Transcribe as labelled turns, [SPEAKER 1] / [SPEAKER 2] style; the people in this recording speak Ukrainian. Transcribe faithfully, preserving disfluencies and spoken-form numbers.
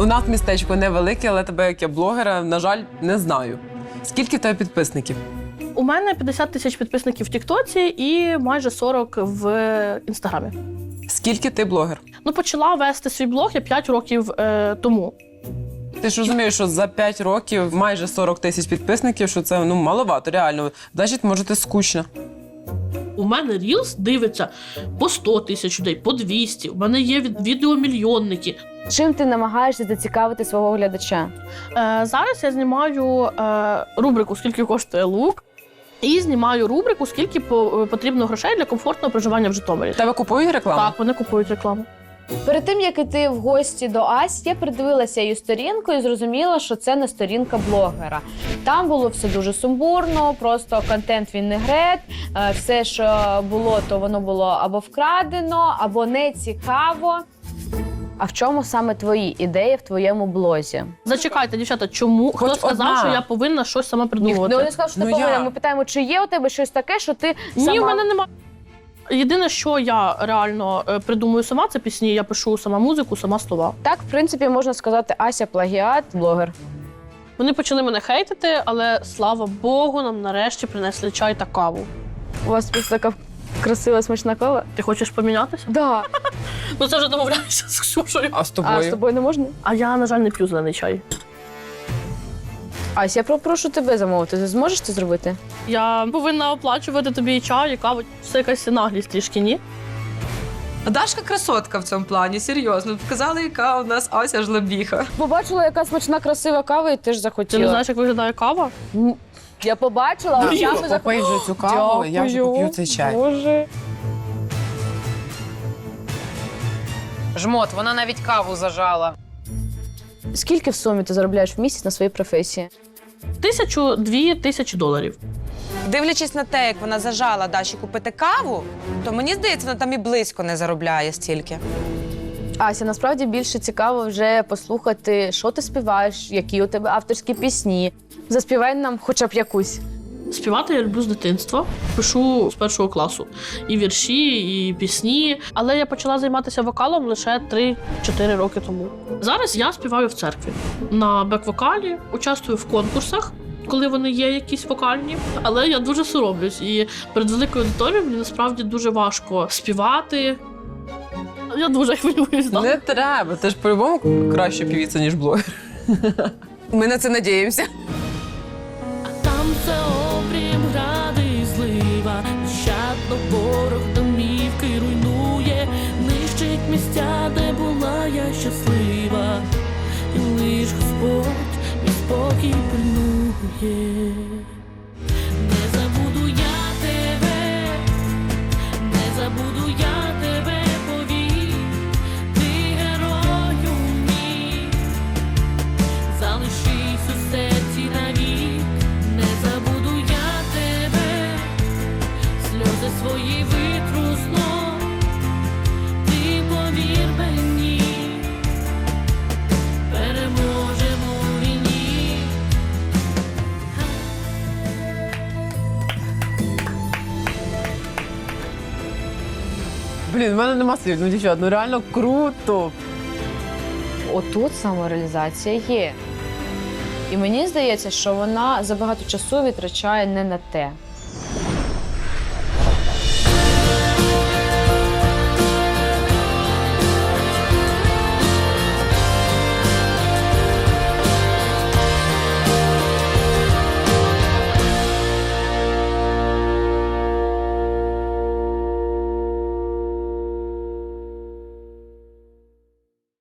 [SPEAKER 1] У нас містечко невелике, але тебе, як я блогера, на жаль, не знаю. Скільки в тебе підписників?
[SPEAKER 2] У мене п'ятдесят тисяч підписників в Тіктоці і майже сорок в Інстаграмі.
[SPEAKER 1] Скільки ти блогер?
[SPEAKER 2] Ну, почала вести свій блог я п'ять років е, тому.
[SPEAKER 1] Ти ж розумієш, що за п'ять років майже сорок тисяч підписників, що це ну, маловато, реально. Значить, може, ти скучна.
[SPEAKER 2] У мене Reels дивиться по сто тисяч людей, по двісті. У мене є від- відеомільйонники.
[SPEAKER 3] Чим ти намагаєшся зацікавити свого глядача?
[SPEAKER 2] Е, зараз я знімаю е, рубрику «Скільки коштує лук» і знімаю рубрику «Скільки по- потрібно грошей для комфортного проживання в Житомирі».
[SPEAKER 1] Тебе купують рекламу?
[SPEAKER 2] Так, вони купують рекламу.
[SPEAKER 3] Перед тим, як іти в гості до Асі, я придивилася її сторінку і зрозуміла, що це не сторінка блогера. Там було все дуже сумбурно, просто контент він не грет, е, все, що було, то воно було або вкрадено, або не цікаво. А в чому саме твої ідеї в твоєму блозі?
[SPEAKER 2] Зачекайте, дівчата, чому?
[SPEAKER 1] Хоч
[SPEAKER 2] Хто сказав,
[SPEAKER 1] одна.
[SPEAKER 2] що я повинна щось сама
[SPEAKER 3] Ні,
[SPEAKER 2] придумувати?
[SPEAKER 3] ну, не сказав, що ти
[SPEAKER 1] Ну,
[SPEAKER 3] повинна.
[SPEAKER 1] я.
[SPEAKER 3] Ми питаємо, чи є у тебе щось таке, що ти сама...
[SPEAKER 2] Ні, в мене немає. Єдине, що я реально е, придумую сама, це пісні. Я пишу сама музику, сама слова.
[SPEAKER 3] Так, в принципі, можна сказати, Ася плагіат, блогер.
[SPEAKER 2] Вони почали мене хейтити, але слава Богу, нам нарешті принесли чай та каву.
[SPEAKER 3] У вас просто така красива, смачна кава?
[SPEAKER 2] Ти хочеш помінятися?
[SPEAKER 3] Да.
[SPEAKER 2] Ну це вже домовляєшся з Ксюшею.
[SPEAKER 1] А з тобою?
[SPEAKER 3] А з тобою не можна?
[SPEAKER 2] А я, на жаль, не п'ю зелений чай.
[SPEAKER 3] Ася, я попрошу тебе замовити. Ти зможеш це зробити?
[SPEAKER 2] Я повинна оплачувати тобі і чай, і каву. Це якась наглість трішки, ні?
[SPEAKER 4] Дашка красотка в цьому плані, серйозно. Показали, яка у нас Ася жлобіха.
[SPEAKER 3] Побачила, яка смачна, красива кава, і теж
[SPEAKER 2] Ти
[SPEAKER 3] захотіла.
[SPEAKER 2] не знаєш, як виглядає кава?
[SPEAKER 3] М, Я побачила, а я би
[SPEAKER 1] Попий вже цю каву, я вже поп'ю цей чай.
[SPEAKER 3] Боже.
[SPEAKER 5] Жмот, вона навіть каву зажала.
[SPEAKER 3] Скільки в сумі ти заробляєш в місяць на своїй професії?
[SPEAKER 2] Тисячу, дві тисячі доларів.
[SPEAKER 4] Дивлячись на те, як вона зажала Даші купити каву, то мені здається, вона там і близько не заробляє стільки.
[SPEAKER 3] Ася, насправді більше цікаво вже послухати, що ти співаєш, які у тебе авторські пісні. Заспівай нам хоча б якусь.
[SPEAKER 2] Співати я люблю з дитинства. Пишу з першого класу. І вірші, і пісні. Але я почала займатися вокалом лише три-чотири роки тому. Зараз я співаю в церкві. На бек-вокалі, участвую в конкурсах, коли вони є якісь вокальні. Але я дуже соромлюсь. І перед великою аудиторією мені насправді дуже важко співати. Я дуже хвилююсь. да.
[SPEAKER 1] Не треба, ти ж по-любому краще півіця, ніж блогер.
[SPEAKER 4] Ми на це надіємося.
[SPEAKER 2] Там це обрім, гради і злива, нещадно ворог домівки руйнує, нищить місця, де була я щаслива, і лиш Господь мій спокій пильнує. Не забуду я тебе, не забуду я тебе, повір, ти герою мій, залишись у серці навік. Не забуду я тебе, сльози свої витру знов, ти повір мені, переможемо у війні.
[SPEAKER 1] Блін, в мене нема слів, ну дівчат, ну реально круто.
[SPEAKER 3] Отут самореалізація є. І мені здається, що вона забагато часу витрачає не на те.